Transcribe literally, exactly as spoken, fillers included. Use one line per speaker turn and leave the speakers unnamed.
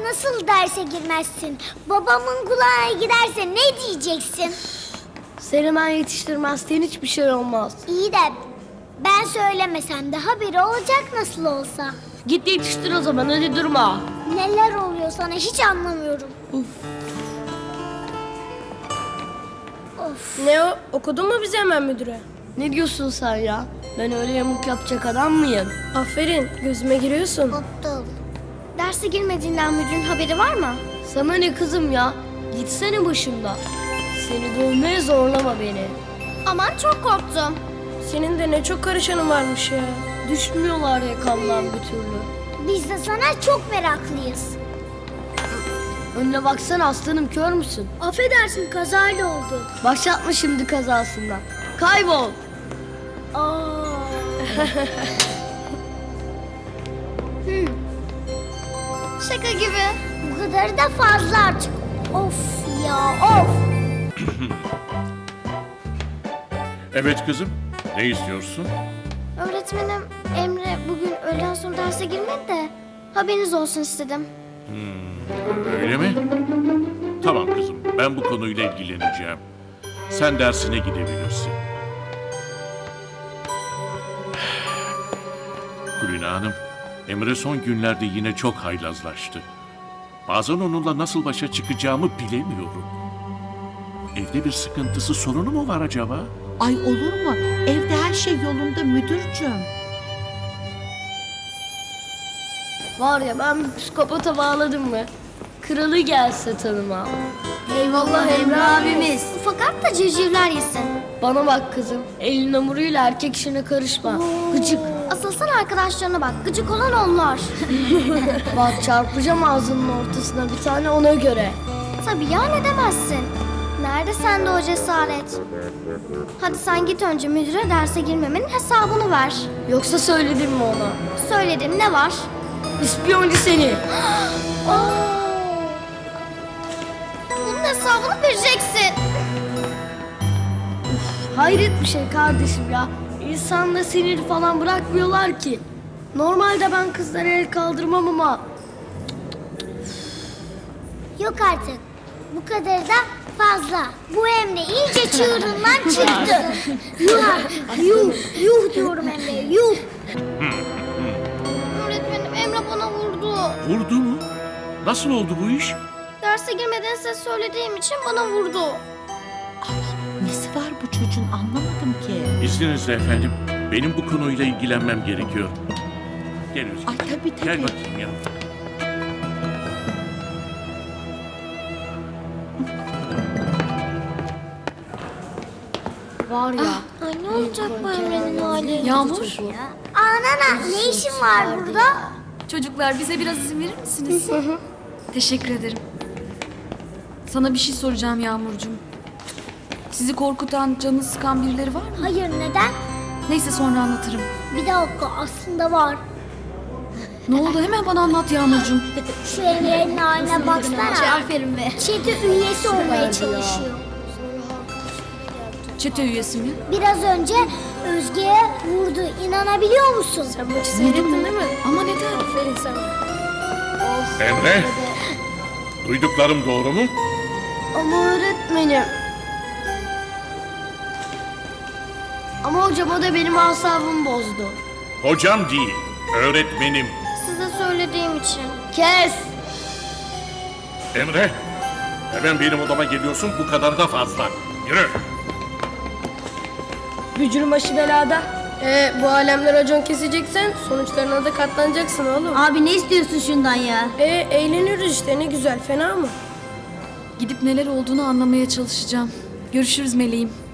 nasıl derse girmezsin? Babamın kulağına giderse ne diyeceksin?
Seni ben yetiştirmezsen hiçbir şey olmaz.
İyi de ben söylemesem de haberi olacak nasıl olsa.
Git yetiştir o zaman, hadi durma.
Neler oluyor sana hiç anlamıyorum.
Uf.
Of.
Ne o? Okudun mu bize hemen müdüre?
Ne diyorsun sen ya? Ben öyle yamuk yapacak adam mıyım?
Aferin, gözüme giriyorsun.
Aptal.
Derse girmediğinden müdürün haberi var mı?
Sana ne kızım ya? Gitsene başımdan. Seni dövmeye zorlama beni.
Aman çok korktum.
Senin de ne çok karışanın varmış ya.
Düşmüyorlar yakamdan bir türlü.
Biz de sana çok meraklıyız.
Önüne baksana aslanım, kör müsün?
Affedersin kazayla oldu.
Başlatma şimdi kazasından. Kaybol.
Aa.
Şaka gibi.
Bu kadarı da fazla artık. Of ya of.
Evet kızım, ne istiyorsun?
Öğretmenim Emre bugün öğleden sonra derse girmedi de haberiniz olsun istedim.
Öyle mi? Tamam kızım, ben bu konuyla ilgileneceğim. Sen dersine gidebilirsin. Kulina Hanım, Emre son günlerde yine çok haylazlaştı. Bazen onunla nasıl başa çıkacağımı bilemiyorum. Evde bir sıkıntısı, sorunu mu var acaba?
Ay olur mu? Evde her şey yolunda müdürcüğüm.
Var ya, ben bir psikopata bağladım mı? Kralı gelse tanıma.
Eyvallah Emre abimiz. Fakat da civcivler yesin.
Bana bak kızım, elin hamuruyla erkek işine karışma. Gıcık.
Asıl sen arkadaşlarına bak. Gıcık olan onlar.
Bak çarpacağım ağzının ortasına bir tane, ona göre.
Tabii ya, ne demezsin. Nerede sende o cesaret? Hadi sen git önce müdüre derse girmemenin hesabını ver.
Yoksa söyledim mi ona?
Söyledim, ne var?
İspiyoncu seni.
Bunun hesabını vereceksin.
Hayret bir şey kardeşim ya. İnsanda sinir falan bırakmıyorlar ki. Normalde ben kızlara el kaldırmam ama...
Yok artık. Bu kadar da fazla. Bu Emre iyice çığırından çıktı. Yuh, yuh, yuh diyorum Emre'ye, yuh.
Öğretmenim Emre bana vurdu.
Vurdu mu? Nasıl oldu bu iş?
Derse girmeden size söylediğim için bana vurdu.
Ay nesi var bu çocuğun anlamadım ki.
İzninizle efendim, benim bu konuyla ilgilenmem gerekiyor. Gel Özgür.
Ay tabii tabii.
Gel bakayım ya.
Var ya.
Ay ne olacak bu Emre'nin hali?
Yağmur,
Anana ne işin var burada?
çocuklar bize biraz izin verir misiniz? Teşekkür ederim. Sana bir şey soracağım Yağmurcuğum. Sizi korkutan, canını sıkan birileri var mı?
Hayır neden?
Neyse sonra anlatırım.
Bir dakika aslında var.
Ne oldu hemen bana anlat Yağmurcuğum.
Şu Emre'nin haline baksana.
Aferin be.
Çete üyesi olmaya çalışıyor.
Çete üyesi mi?
Biraz önce Özge'ye vurdu. İnanabiliyor musun?
Sen maçı seyrettin değil mi?
Ama neden?
Aferin sana.
Emre, duyduklarım doğru mu?
Ama öğretmenim. Ama hocam o da benim asabımı bozdu.
Hocam değil, öğretmenim.
Size söylediğim için.
Kes!
Emre, hemen benim odama geliyorsun, bu kadar da fazla. Yürü.
Bücürün başı belada. Ee, bu alemler racon keseceksen sonuçlarına da katlanacaksın oğlum.
Abi ne istiyorsun şundan ya?
Ee, eğleniyoruz işte, ne güzel, fena mı?
Gidip neler olduğunu anlamaya çalışacağım. Görüşürüz meleğim.